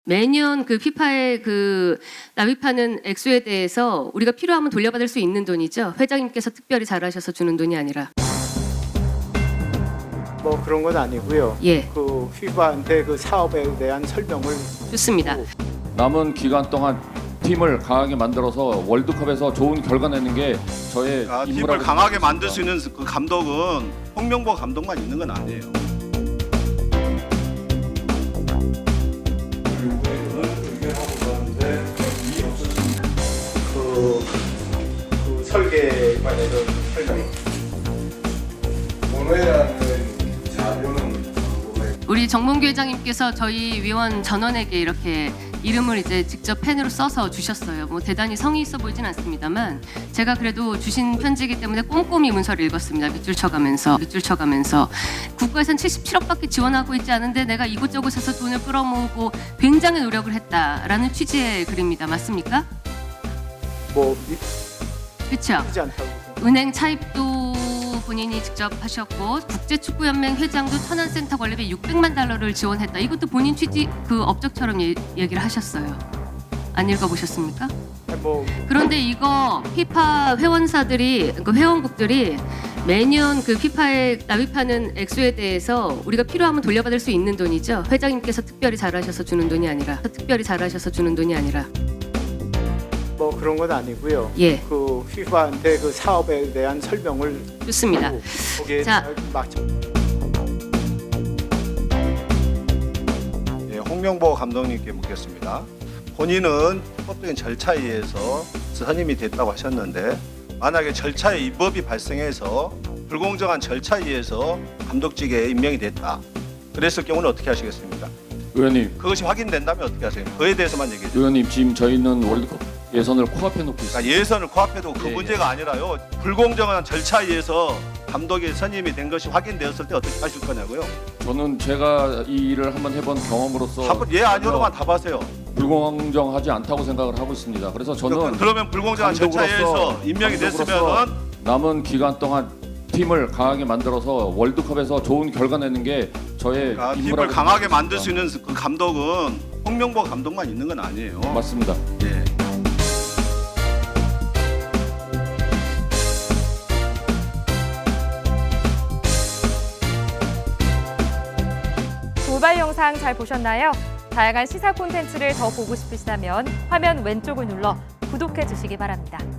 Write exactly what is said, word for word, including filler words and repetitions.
매년 그 피파에 그 납입하는 액수에 대해서 우리가 필요하면 돌려받을 수 있는 돈이죠. 회장님께서 특별히 잘하셔서 주는 돈이 아니라. 뭐 그런 건 아니고요. 예. 그 피파한테 그 사업에 대한 설명을 좋습니다. 남은 기간 동안 팀을 강하게 만들어서 월드컵에서 좋은 결과 내는 게 저의 아, 팀을 임무라고 강하게 생각합니다. 만들 수 있는 그 감독은 홍명보 감독만 있는 건 아니에요. 그, 그 설계 관해서 설명. 원회라는 자료는 우리 정몽규 회장님께서 저희 위원 전원에게 이렇게 이름을 이제 직접 펜으로 써서 주셨어요. 뭐 대단히 성의 있어 보이진 않습니다만 제가 그래도 주신 편지이기 때문에 꼼꼼히 문서를 읽었습니다. 밑줄 쳐가면서 밑줄 쳐가면서 국가에선 칠십칠억밖에 지원하고 있지 않은데 내가 이곳저곳에서 돈을 끌어모으고 굉장히 노력을 했다라는 취지의 글입니다. 맞습니까? 뭐 그렇죠. 믿지 않다고 생각합니다. 은행 차입도 본인이 직접 하셨고 국제축구연맹 회장도 천안센터 건립에 육백만 달러를 지원했다. 이것도 본인 취지 그 업적처럼 예, 얘기를 하셨어요. 안 읽어보셨습니까? 뭐 그런데 이거 피파 회원사들이 그 회원국들이 매년 그 피파에 납입하는 액수에 대해서 우리가 필요하면 돌려받을 수 있는 돈이죠. 회장님께서 특별히 잘하셔서 주는 돈이 아니라 특별히 잘하셔서 주는 돈이 아니라. 뭐 그런 건 아니고요. 예. 그 피파한테 그 사업에 대한 설명을 좋습니다. 하고 거기에 자. 맞춰. 예, 홍명보 감독님께 묻겠습니다. 본인은 법적인 절차에 의해서 선임이 됐다고 하셨는데 만약에 절차에 위법이 발생해서 불공정한 절차에 의해서 감독직에 임명이 됐다. 그랬을 경우는 어떻게 하시겠습니까? 의원님, 그것이 확인된다면 어떻게 하세요? 그에 대해서만 얘기해 주세요. 의원님 지금 저희는 월드컵 예선을 코앞에 놓고 있습니다. 그러니까 예선을 코앞에 두고 그 예, 문제가 아니라요. 불공정한 절차에 의해서 감독이 선임이 된 것이 확인되었을 때 어떻게 하실 거냐고요. 저는 제가 이 일을 한번 해본 경험으로서 한번 예 아니오로만 답하세요. 불공정하지 않다고 생각을 하고 있습니다. 그래서 저는 그러면 불공정한 절차에 의해서 임명이 감독으로서 됐으면은 남은 기간 동안 팀을 강하게 만들어서 월드컵에서 좋은 결과 내는 게 저의 아, 팀을 임무라고 강하게 생각합니다. 만들 수 있는 그 감독은 홍명보 감독만 있는 건 아니에요. 맞습니다. 예. 돌발 영상 잘 보셨나요? 다양한 시사 콘텐츠를 더 보고 싶으시다면 화면 왼쪽을 눌러 구독해 주시기 바랍니다.